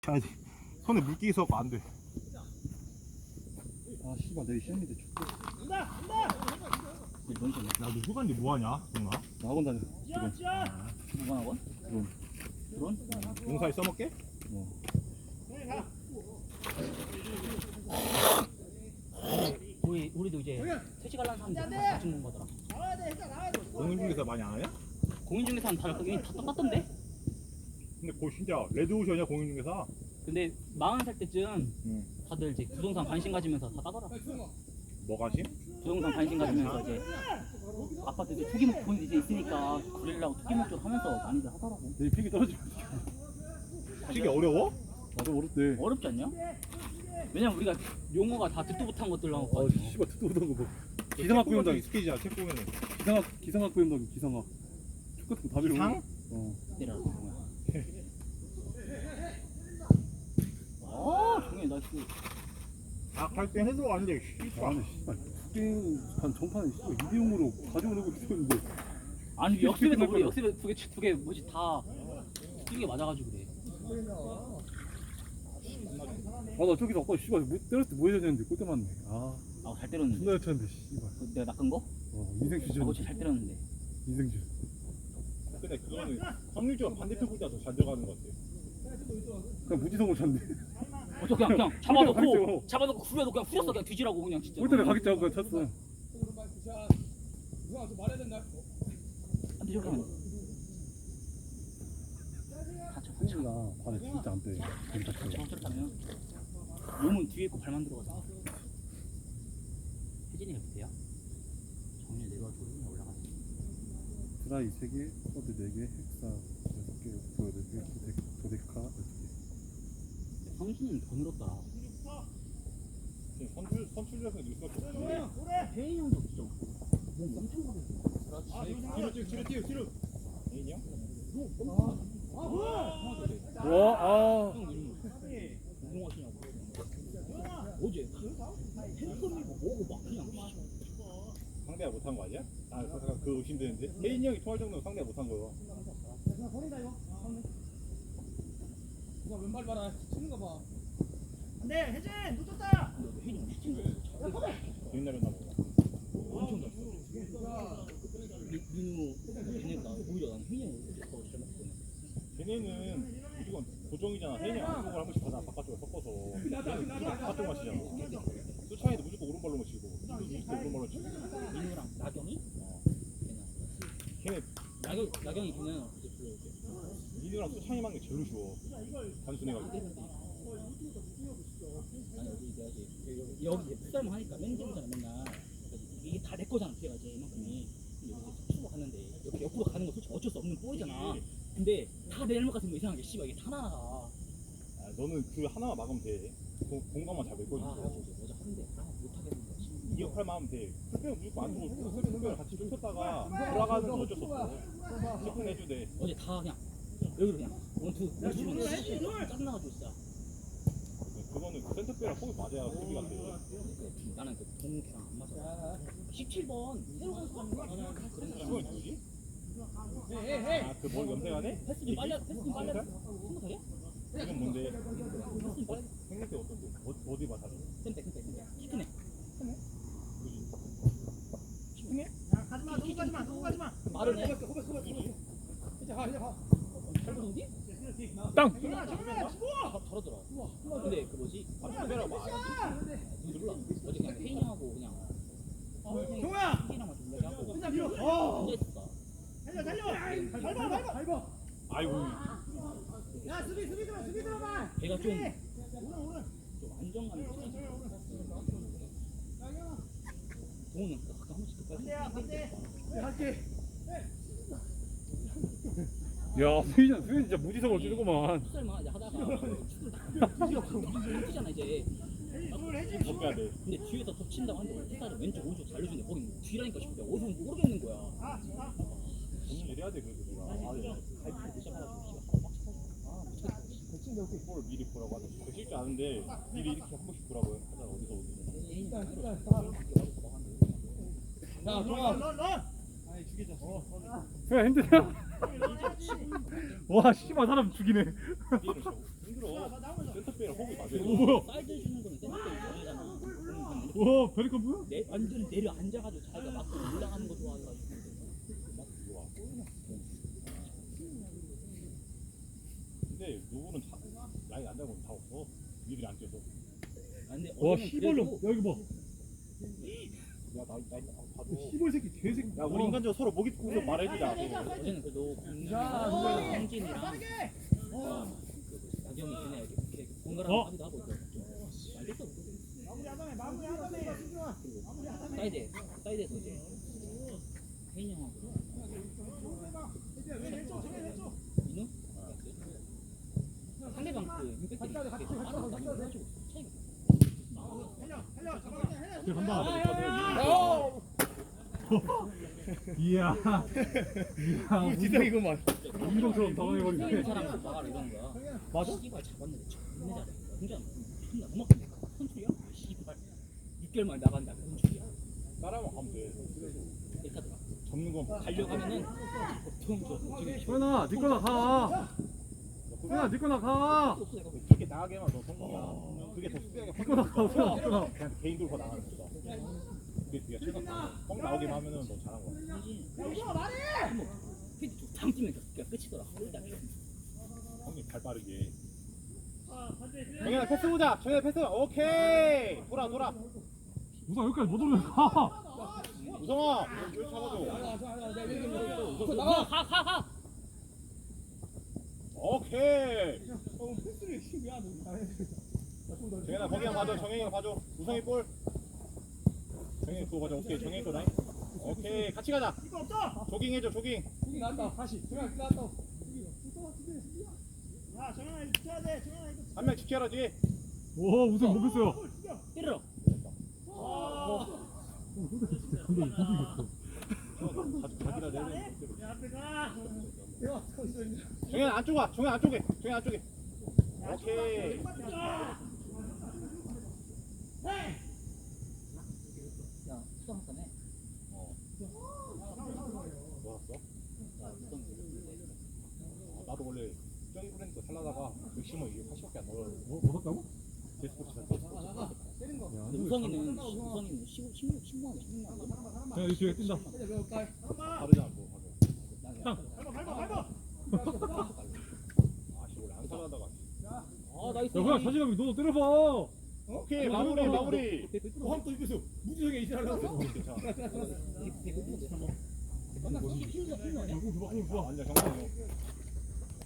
쳐야지. 손에 물기 있어서 안 돼. 아 씨발 내일 시험인데 죽겠어. 뭔 소리야? 야, 너 휴가인데 뭐하냐, 동아? 나 학원 다녀 지금. 무관 학원? 드론? 용사에 써먹게? 우리도 이제 퇴직 하려는 사람들 다 죽는 거더라. 공인중개사 많이 안 하냐? 공인중개사는 다 똑같던데? 근데 그거 진짜 레드오션이야, 공인중개사. 근데 40살 때쯤 응. 다들 이제 부동산 관심 가지면서 다 따더라. 뭐 가심? 부동산 관심 가지면서 이제 아파트 이제 투기 목돈 이제 있으니까 그러려고 투기 목돈 하면서 많이들 하더라고. 내일 필기 떨어지면 되게 어려워? 나도 어렵대. 어렵지 않냐? 왜냐면 우리가 용어가 다 듣도 못한 것들 아 나왔거든. 씨발 듣도 못한 거 뭐. 기상학 부연당 익숙해지잖아, 책 보면은. 기상학 부연당 기상학. 쭉 같은 거다 배워. 기상? 내려라. 아, 종현이 나이스. 갈때 해서 왔는데, 아 근데 씨발 게임판 전판에 씨발 2대0으로 가져오려고 있었는데. 아니 역습에서 우리 역습에 두개 뭐지 다 뛰게 맞아가지고 그래. 아 나 저기서 아까 씨발 때렸을 때 뭐 해야 되는데 골대 맞네. 아 잘 때렸는데. 존나 였는데 씨발. 내가 낚은 거? 인생 주전. 그거 잘 때렸는데. 인생 주전. 근데 그거는 확률적으로 반대편 골대가 더 잘 들어가는 것 같아. 그냥 무지성으로 쳤네. 어저 그냥 잡아놓고 후려도 그냥 후렸어 그냥 뒤지라고 그냥 진짜. 골대를 가겠지 하고 그냥 쳤어. 근데 저기 하면 성우가 발에 진짜 안 빼. 진짜 쳐. 저렇다면 몸은 뒤에 있고 발만 들어가잖아. 혜진이가 밑에야? 정윤이 내려와주고 혜진이 올라가지. 드라이 3개, 서드 4개, 헥사 6개, 오프 8개, 도데카 6개. 성준이는 더 늘었더라. 선출력에서 넣을 수밖에 없어. 혜인이 형도 진짜 몸 엄청 가벼워. 뒤로. 애인이 형? 와, 운동하시냐고. 어제 팬텀이고 뭐고 막 그냥 상대가 못한 거 아니야? 아, 그거 의심되는데. 혜인이 형이 통할 정도면 상대가 못한 거야. 왼발 봐라. 치는 거 봐. 안돼 혜진 놓쳤다. 혜인이 형 미친 거야. 옛날에 나보고. 엄청 잘 써. 민우 걔네가 오히려 나는 혜인이 형이 더 잘 맞거든. 걔네는 무조건 고정이잖아. 혜인이 형 안쪽을 한 번씩 받아 바깥쪽에 섞어서. 걔는 무조건 바깥쪽만 치잖아. 수창이도 무조건 오른발로만 치고. 민우도 무조건 오른발로 치고. 민우랑 나경이? 걔네 나경이 걔는 민우랑 수창이만 게 제일 쉬워. 단순해가지고. 아니 여기 풋살만 하니까 맨정이잖아 맨날. 이게 다 내 거잖아 걔가 이제 이만큼이. 근데 여기 투로 갔는데 이렇게 옆으로 가는 거 솔직히 어쩔 수 없는 볼이잖아. 근데 다 내 잘못 같은 거 이상하게 씨발 이게 하나하나가. 아, 너는 그 하나만 막으면 돼. 공간만 잘 메꿔주고. 어제 하는데 못하겠는 거야. 이 역할만 하면 돼. 풀백은 무조건 안쪽으로 풀백을 같이 좁혔다가 돌아가는 건 어쩔 수 없어. 체크는 해주대. 어제 다 그냥 여기로 그냥 원투 짜증나가지고 진짜. 그거는 그 센터백이랑 호흡 맞아야 수비가 돼. 나는 그 동욱이랑 안 맞아. 17번 새로운 사람이 그런 그건 사람. 누구지? 아, 그 뭐 염색하네? 패스 좀 빨리 생각하냐? 이건 뭔데? 패스 좀 빨리. 생각해 어떤데? 어디 봐 다시. 센터 키 크네. 가지마 누구 가지마. 빠르네. 이제 가. 잘 보는디? 땅! 저러더라. 근데 그 뭐지? 카메라 봐야지. 몰라. 어제 그냥 페인하고 그냥. 종호야. 페인이랑만 좀 얘기하고. 혼자 밀어. 앉아 있었다. 달려. 밟아. 아이고. 야 수비 들어봐. 걔가 좀 안정감이 있어. 동훈은 가끔 한 번씩 끝까지. 반대. 할게. 야, 수현 진짜 무지성으로 뛰는구만. 풋살만 이제 하다가 축구를 뛰잖아 이제. 못 빼야 돼. 근데 뒤에서 덮친다고 하는데 풋살은 왼쪽 오른쪽 잘려주는데 거긴 뒤라니까 싶은데 어디서 모르겠는 거야. 본인 이래야 돼 그래도 내가. 가입을 시작해가지고 볼 미리 보라고 하자. 그 실줄 아는데 미리 이렇게 한 번씩 보라고요. 하자 어디서 오지. 야, 종아. 런. 수현 힘드냐? 와, 씨발 사람 죽이네. 미리 힘들어. 센터백이랑 호흡이 맞아야 오 돼. 뭐야? 사이드 주는 거는 센터백이 좋아하잖아. 와 베리컨 뭐야? 완전 내려 앉아가지고 자기가 막 올라가는 거 좋아해가지고. 좋아. 근데 누구는 라인 안 잡으면 다 없어. 니들이 안 뛰어서. 아, 근데 와 어제는 시벌로 그래도 여기 봐. 야, 나 봐도. 시벌 새끼 개새끼. 야, 우리 인간적으로 서로 목이 푸면서 말해주자. 어제는 그래도 자, 홍진이랑 나경이 걔네 이렇게 번갈아 어? 하기도 하고 있어. 알겠어. 마무리 하다네. 사이드에서 이제 혜인이 형하고 민우? 상대방 그 임팩트가 이렇게 빠르다고 해가지고 차이가 그래 간다. 어! 이야. 이야. 지성이구만. 운동처럼 당황해버리네. 이 사람 막아라 이런 거야. 맞아? 씨발 잡았는데 존나 잘해. 혼자 존나 음악인데 컨트리야? 씨발 6개월 만에 나간다 컨트리야. 따라만 가면 돼. 이렇게 하더라. 접는 건 가려가면은 보통 저기 소연아 니 거나 가. 소연아 니 거나 가. 없어 내가 그렇게 나가게만 너 성공이야. 그게 더 수비하게 니 거나 가. 소연아 니 거나. 그냥 개인 돌고 나가는 거다. 그게 뒤가 최강. 뻥 나오기만 하면은 너 잘한 거야. 한번 헤드 당 뛰면 그냥 끝이더라. 일단 형님 발 빠르게. 정현아 패스 보자. 정현아 패스. 오케이. 돌아. 우선 여기까지 못 올라가. 우성아, 여기 잡아줘. 나가 가. 오케이. 패스를 왜안 해? 정현아 거기랑 봐줘. 정현이가 봐줘. 우성이 볼. 정현이 그거 봐줘. 오케이. 정현이 거 나이. 오케이. 같이 가자. 조깅 해줘. 조깅. 여기 나왔다. 다시. 정현 나왔다. 야, 정현아 이거 붙여야 돼. 정현아 이거. 한 명 지켜라 뒤에. 오 우선 못 했어요. 때려. 자기라 내는 야, 앞에 가. 정현 안쪽 와. 정현 안쪽에. 정현 안쪽에. 오케이. 야 수상 한 건에. 뭐 왔어? 나도 원래 저기 브랜드 살라다가 맥시멈 이게 80밖에 안 나와요. 뭐 샀다고? 데스포츠 살 때린 거. 야, 우성이는 16만 원. 자, 이 뒤에 뛴다. 다르잖아 뭐 밟아. 아씨 원래 안 살라다가 아 나이스. 야, 그냥 자신감이 너도 때려봐. 오케이 마무리 또 입에서 무지성에 이지라고. 괜찮아 배고픈데. 나 이게 필요 아니야? 이거 봐, 이거 봐. 완전 정상이요